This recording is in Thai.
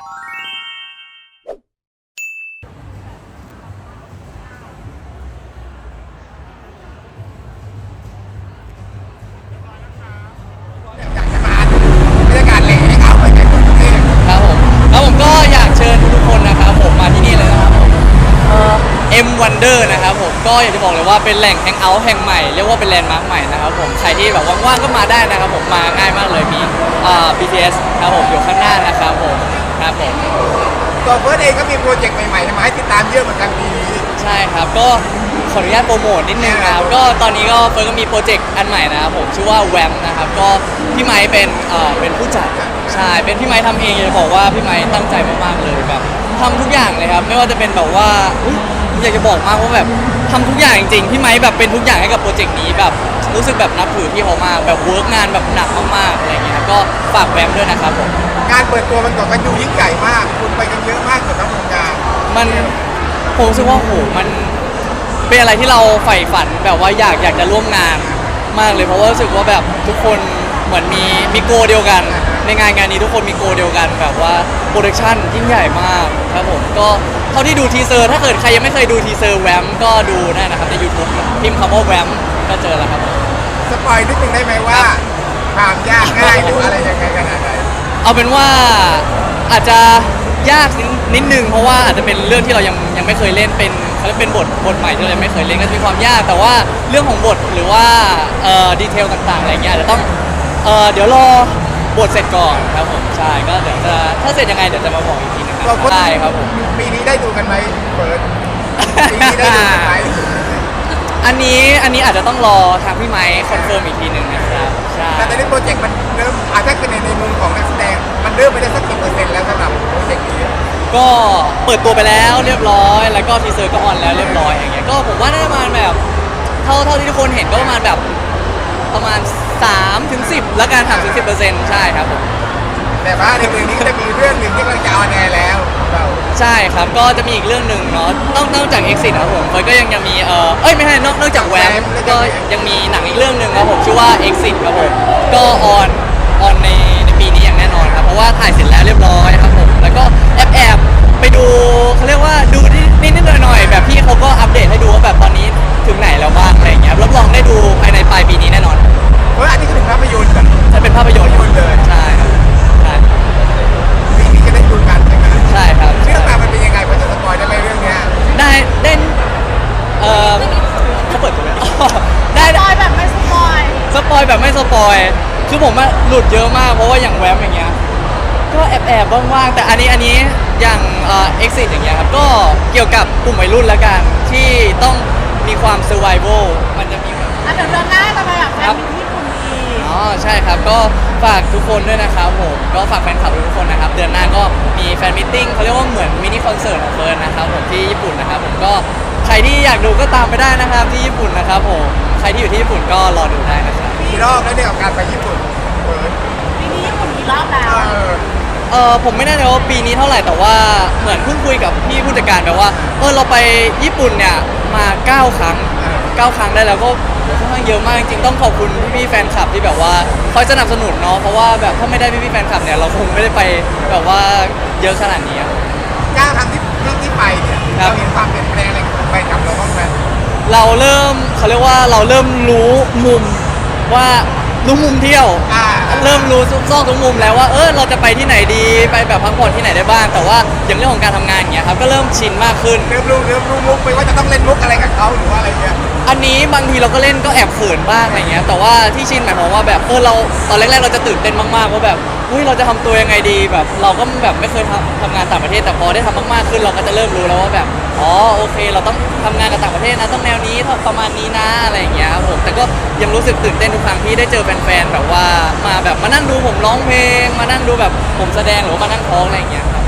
อยากจะมาบรรยากาศแหล่ให้เขาไปในกรุงเทพครับผมแล้วผมก็อยากเชิญทุกคนนะครับผมมาที่นี่เลยนะครับผมM Wonder นะครับผมก็อยากจะบอกเลยว่าเป็นแหล่งแฮงเอาท์แห่งใหม่เรียกว่าเป็นแลนด์มาร์คใหม่นะครับผมใครที่แบบว่างๆก็มาได้นะครับผมมาง่ายมากเลยมีBTS ครับผมอยู่ข้างหน้านะครับผมครับผมตัวเฟิร์สเองก็มีโปรเจกต์ใหม่ๆมาให้ติดตามเยอะเหมือนกันปีนี้ใช่ครับก็ขออนุญาตโปรโมทนิดนึงนะครับก็ตอนนี้ก็เฟิร์นก็มีโปรเจกต์อันใหม่นะครับผมชื่อว่าแวมนะครับก็พี่ไม้เป็นผู้จัดใช่เป็นพี่ไม้ทำเองอยากจะบอกว่าพี่ไม้ตั้งใจมากๆเลยแบบทำทุกอย่างเลยครับไม่ว่าจะเป็นแบบว่าอยากจะบอกมากว่าแบบทำทุกอย่างจริงๆพี่ไม้แบบเป็นทุกอย่างให้กับโปรเจกต์นี้แบบรู้สึกแบบนับถือพี่เขามากแบบเวิร์กงานแบบหนักมากๆอะไรอย่างเงี้ยก็ฝากแวมด้วยนะครับผมการเปิดตัวมันก่อนกันดูยิ่งใหญ่มากคุณไปกันเยอะมากเกือบทั้งวงการมันผมรู้สึกว่าโหมันเป็นอะไรที่เราใฝ่ฝันแบบว่าอยากจะร่วมงานมากเลยเพราะว่ารู้สึกว่าแบบทุกคนเหมือนมีโกเดียวกันในงานนี้ทุกคนมีโกเดียวกันแบบว่าโปรดักชั่นยิ่งใหญ่มากครับผมก็เท่าที่ดูทีเซอร์ถ้าเกิดใครยังไม่เคยดูทีเซอร์แวมก็ดูได้นะครับใน YouTube พิมพ์คำว่าแวมก็เจอแล้วครับผมสปอยนิดนึงได้ไหมว่าความยากง่ายหรืออะไรยังไงขนาดไหนเอาเป็นว่าอาจจะยากนิดนึงเพราะว่าอาจจะเป็นเรื่องที่เรายังไม่เคยเล่นเป็นเขาเรียกเป็นบทใหม่ที่เรายังไม่เคยเล่นก็จะมีความยากแต่ว่าเรื่องของบทหรือว่าดีเทลต่างๆอะไรเงี้ยอาจจะต้องเดี๋ยวรอบทเสร็จก่อนครับผมใช่ก็เดี๋ยวจะถ้าเสร็จยังไงเดี๋ยวจะมาบอกอีกทีนะครับได้ครับผมปีนี้ได้ดูกันไหมเปิดปีนี้ได้ดูกันไหมอันนี้อาจจะต้องรอทางพี่ไมค์คอนเฟิร์มอีกทีหนึ่งนะครับใช่แต่ตอนนี้โปรเจกต์มันเริ่มถ้าคือในมุมของนักแสดงมันเริ่มไปได้สักกี่เปอร์เซ็นต์แล้วสำหรับโปรเจกต์นี้ก็เปิดตัวไปแล้วเรียบร้อยแล้วก็ทีเซอร์ก็ออนแล้วเรียบร้อยอย่างเงี้ยก็ผมว่าน่าจะประมาณแบบเท่าที่ทุกคนเห็นก็ประมาณแบบประมาณ3-10แล้วกัน3-10%ใช่ครับผมแต่ว่าในเรื่องนี้ก็จะมีเรื่องหนึ่งที่กำลังจะออนแอร์แล้วเราใช่ครับก็จะมีอีกเรื่องหนึ่งเนาะนอกจาก Exit ครับผมก็ยังมีไม่ใช่นอกจากแวมก็ยังมีหนังอีกเรื่องหนึ่งครับผมชื่อว่า Exit ครับผมก็ออนในปีนี้อย่างแน่นอนครับเพราะว่าถ่ายเสร็จแล้วเรียบร้อยครับผมแล้วก็แอบไปดูเขาเรียกว่าดูนิดหน่อยๆแบบพี่เขาก็อัปเดตให้ดูว่าแบบตอนนี้ถึงไหนแล้วบ้างอะไรอย่างเงี้ยรับรองได้ดูภายในปลายปีนี้แน่นอนเพราะอันนี้ก็ถึงภาพยนตร์กันจะเป็นภาพยนตร์เลยใช่ครับใช่ปีนี้จะได้ดูกันใช่ไหมใช่ครับเรื่องราวมันเป็นยังไงพอจะสปอยได้ไหมเรื่องเนี้ยได้เขาเปิดตัวไหมอ๋อได้สปอยแบบไม่สปอยสปอยแบบไม่สปอยคือผมอะหลุดเยอะมากเพราะว่าอย่างแวมอย่างเงี้ยก็แอบว่างๆแต่อันนี้อย่างexit อย่างเงี้ยครับก็เกี่ยวกับกลุ่มวัยรุ่นละกันที่ต้องมีความ survival มันจะมีแบบอ่ะเดี๋ยวเดือนหน้าจะไปแบบแฟนมิตรญี่ปุ่นอีกอ๋อใช่ครับก็ฝากทุกคนด้วยนะครับผมก็ฝากแฟนคลับทุกคนนะครับเดือนหน้าก็มีแฟนมิทติ้งเขาเรียกว่าเหมือนมินิคอนเสิร์ตของเฟิร์นนะครับผมที่ญี่ปุ่นนะครับผมก็ใครที่อยากดูก็ตามไปได้นะครับที่ญี่ปุ่นนะครับผมใครที่อยู่ที่ญี่ปุ่นก็รอดูได้นะครับกี่รอบแล้วเนี่ยกับการไปญี่ปุ่นเปิดปีนี้ญี่ปุ่นกี่รอบแล้วผมไม่แน่ใจว่าปีนี้เท่าไหร่แต่ว่าเหมือนเพิ่งคุยกับพี่ผู้จัดการแบบว่าเราไปญี่ปุ่นเนี่ยมา9 ครั้งได้แล้วก็ค่อนข้างเยอะมากจริงๆต้องขอบคุณพี่ๆแฟนคลับที่แบบว่าคอยสนับสนุนเนาะเพราะว่าแบบถ้าไม่ได้พี่ๆแฟนคลับเนี่ยเราคงไม่ได้ไปแบบว่าเยอะขนาดนี้ครับก้าวครั้งที่ไปเนี่ยครับเราเห็นความเปลี่ยนแปลงอะไรของไปกับเราบ้างไหมเราเริ่มเขาเรียกว่าเราเริ่มรู้มุมว่ารู้มุมเที่ยว เริ่มรู้ซอกทุกมุมแล้วว่าเราจะไปที่ไหนดีไปแบบพักผ่อนที่ไหนได้บ้างแต่ว่าอย่างเรื่องของการทำงานอย่างเงี้ยครับก็เริ่มชินมากขึ้นเริ่มรู้มุกไปว่าจะต้องเล่นมุกอะไรกับเขาหรือว่าอะไรเงี้ยอันนี้บางทีเราก็เล่นก็แอบเขินบ้างอะไรเงี้ยแต่ว่าที่ชินหมายความว่าแบบเราตอนแรกๆเราจะตื่นเต้นมากๆว่าแบบเราจะทำตัวยังไงดีแบบเราก็แบบไม่เคยทำงานต่างประเทศแต่พอได้ทำมากๆขึ้นเราก็จะเริ่มรู้แล้วว่าแบบโอเคเราต้องทำงานกับต่างประเทศนะต้องแนวนี้ประมาณนี้นะอะไรอย่างเงี้ยครับผมแต่ก็ยังรู้สึกตื่นเต้นทุกครั้งที่ได้เจอแฟนๆแบบว่ามานั่งดูผมร้องเพลงมานั่งดูแบบผมแสดงหรือว่ามานั่งท้องอะไรอย่างเงี้ยครับ